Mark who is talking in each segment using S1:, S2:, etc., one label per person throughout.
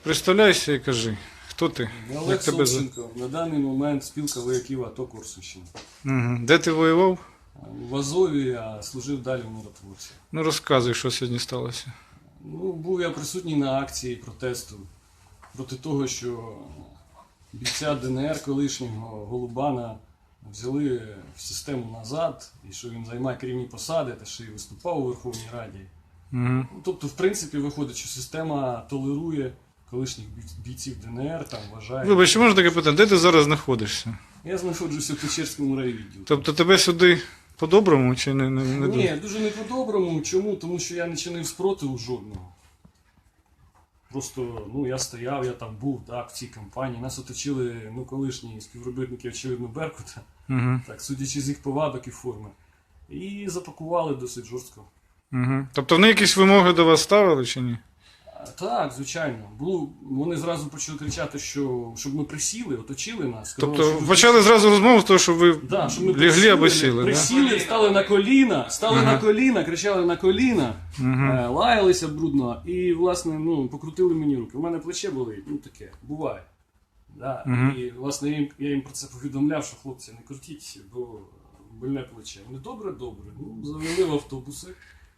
S1: Представляйся і кажи, хто ти?
S2: Олег Собченко, на даний момент спілка вояків АТО Корсунщини.
S1: Угу. Де ти воював?
S2: В Азові, а служив далі в миротворці.
S1: Ну розказуй, що сьогодні сталося.
S2: Ну, був я присутній на акції протесту проти того, що бійця ДНР колишнього Голубана взяли в систему назад, і що він займає керівні посади, та ще й виступав у Верховній Раді.
S1: Угу.
S2: Тобто, в принципі, виходить, що система толерує колишніх бійців ДНР, там вважає...
S1: Вибач, чи можна таке питання, де ти зараз знаходишся?
S2: Я знаходжуся в Печерському райвідділі.
S1: Тобто тебе сюди по-доброму чи не
S2: Ні, дуже не по-доброму. Чому? Тому що я не чинив спротиву жодного. Просто, я стояв, я там був, так, в цій кампанії. Нас оточили, колишні співробітники, очевидно, Беркута,
S1: Угу.
S2: так, судячи з їх повадок і форми. І запакували досить жорстко.
S1: Угу. Тобто вони якісь вимоги до вас ставили чи ні?
S2: Так, звичайно. Вони зразу почали кричати, щоб ми присіли, оточили нас. Сказали,
S1: Тобто
S2: що ви
S1: почали зразу розмову з того, що ви
S2: Да, що ми
S1: лягли або сіли, да?
S2: присіли, стали на коліна, кричали на коліна, лаялися брудно і, власне, покрутили мені руки. У мене плече болить, таке, буває. Да. І, власне, я їм про це повідомляв, що хлопці, не крутіть, бо больне плече. Вони добре. Завели в автобуси,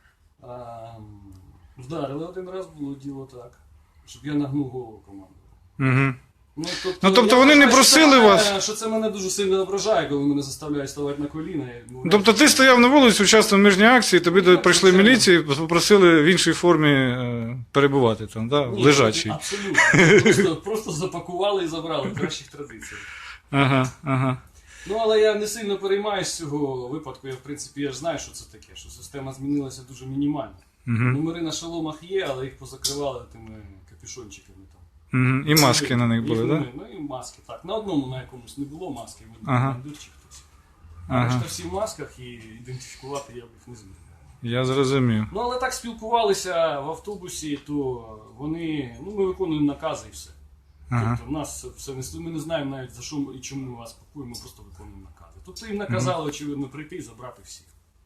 S2: вдарили один раз, було діло так, щоб я нагнув голову команду.
S1: Угу.
S2: Тобто
S1: вони не просили вас?
S2: Що це мене дуже сильно ображає, коли мене заставляють ставати на коліна.
S1: Тобто ти стояв на вулиці, участвував в міжній акції, тобі прийшли міліції, попросили в іншій формі перебувати там, да?
S2: Ні,
S1: лежачий.
S2: Абсолютно. Просто запакували і забрали в кращих традиціях.
S1: Ага.
S2: Але я не сильно переймаюсь з цього випадку. В принципі, я ж знаю, що це таке, що система змінилася дуже мінімально. Номери на шоломах є, але їх позакривали тими капюшончиками там.
S1: І маски на них були, так?
S2: Да? І маски, так. На одному, на якомусь не було маски, дурчик хтось. Решта всі в масках, і ідентифікувати я б їх не зміг.
S1: Я зрозумів.
S2: Але так спілкувалися в автобусі, то ми виконуємо накази і все. Тобто в нас все, ми не знаємо навіть за що і чому ми вас пакуємо, ми просто виконуємо накази. Тобто їм наказали, очевидно, прийти і забрати всіх.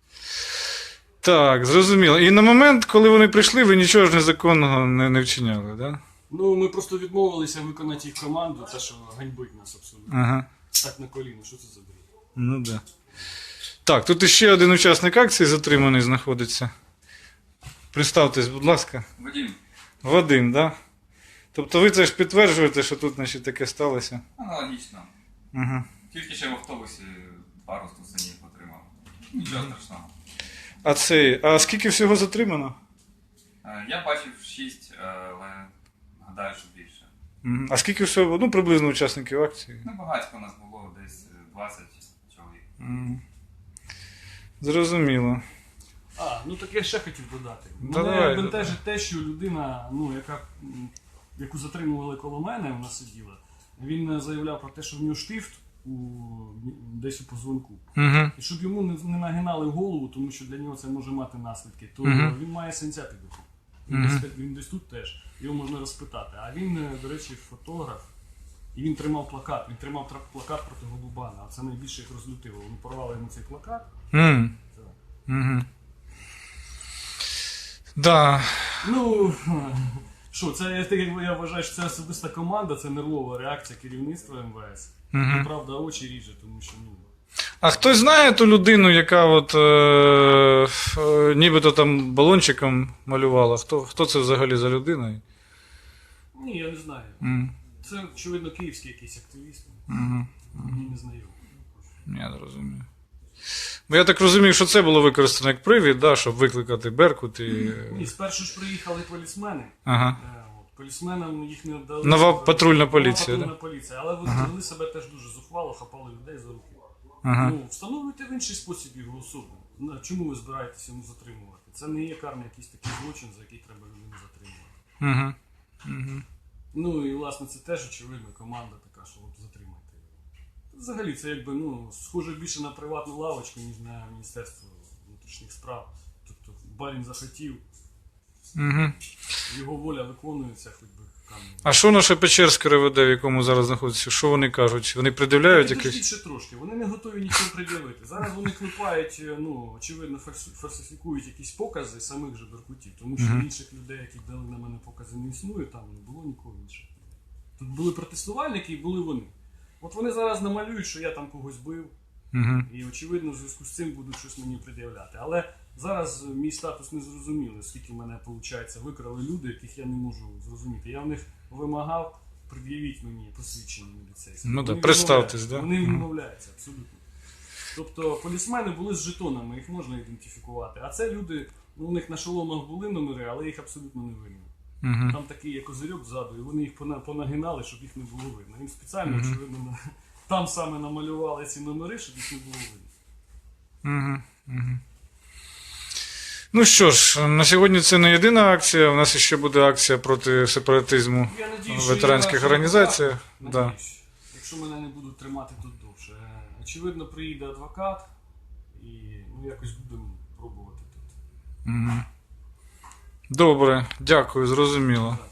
S1: Так, зрозуміло. І на момент, коли вони прийшли, ви нічого ж незаконного не вчиняли, так? Да?
S2: Ми просто відмовилися виконати їх команду, те, що ганьбить нас абсолютно. Так на коліно, що це за бред?
S1: Ну так. Да. Так, тут іще один учасник акції затриманий знаходиться. Представтесь, будь ласка. Вадим, так? Да? Тобто ви це ж підтверджуєте, що тут, значить, таке сталося?
S3: Аналогічно. Тільки ще в автобусі пару стусанів отримав. Нічого страшного.
S1: А скільки всього затримано?
S3: Я бачив 6, але гадаю, що більше.
S1: А скільки всього, приблизно учасників акції?
S3: Багатько у нас було, десь 20 чоловік.
S1: Зрозуміло.
S2: Так я ще хотів додати.
S1: Мене
S2: бентежить те, що людина, яку затримували коло мене, вона сиділа, він заявляв про те, що в нього штифт десь у позвонку. І щоб йому не нагинали в голову, тому що для нього це може мати наслідки, то він має синця під рукою. Він десь тут теж, його можна розпитати. А він, до речі, фотограф, і він тримав плакат. Він тримав плакат проти Голубана, а це найбільше їх розлютило. Вони порвали йому цей плакат.
S1: Да.
S2: Я вважаю, що це особиста команда, це нервова реакція керівництва МВС. Правда, очі ріже, тому що
S1: А хтось знає ту людину, яка нібито там балончиком малювала? Хто це взагалі за людина?
S2: Ні, я не знаю. Це, очевидно, київський якийсь активіст. Мені не знайомий.
S1: Я зрозумів. Бо я так розумію, що це було використано як привід, да, щоб викликати Беркут і...
S2: Ні, спершу ж приїхали полісмени. Полісменам їх не віддали.
S1: Нова патрульна поліція,
S2: Нова патрульна поліція, але вони себе теж дуже зухвало, хапали людей за руки. Встановлюйте в інший спосіб його особу. Чому ви збираєтеся йому затримувати? Це не є карний якийсь такий злочин, за який треба людину затримувати. І, власне, це теж, очевидно, команда така, що затримайте його. Взагалі, це схоже більше на приватну лавочку, ніж на Міністерство внутрішніх справ. Тобто, Балін захотів, його воля виконується, хоч би там.
S1: А що наше Печерське РВД, в якому зараз знаходиться, що вони кажуть? Вони пред'являють
S2: Підождіть
S1: якесь?
S2: ще трошки, вони не готові нічого пред'явити. Зараз вони клепають, ну, очевидно, фальсифікують якісь покази самих же беркутів, тому що інших людей, які дали на мене покази, не існує, там не було нікого іншого. Тут були протестувальники і були вони. От вони зараз намалюють, що я там когось бив, і, очевидно, в зв'язку з цим будуть щось мені пред'являти. Але зараз мій статус не зрозумілий, оскільки мене, виходить, викрали люди, яких я не можу зрозуміти. Я в них вимагав, пред'явіть мені посвідчення міліцейське.
S1: Ну
S2: Вони
S1: так, представтесь,
S2: відмовляються.
S1: да?
S2: Вони відмовляються, абсолютно. Тобто полісмени були з жетонами, їх можна ідентифікувати. А це люди, ну, у них на шоломах були номери, але їх абсолютно не видно. Там такий є козирьок ззаду, і вони їх понагинали, щоб їх не було видно. Їм спеціально, очевидно, там саме намалювали ці номери, щоб їх не було видно.
S1: Ну що ж, на сьогодні це не єдина акція, у нас ще буде акція проти сепаратизму
S2: Я надію,
S1: в
S2: що
S1: ветеранських
S2: я
S1: організаціях.
S2: адвокат,
S1: Да.
S2: надіюсь, якщо мене не будуть тримати тут довше. Очевидно, приїде адвокат і ну, якось будемо пробувати тут.
S1: Добре, дякую, зрозуміло.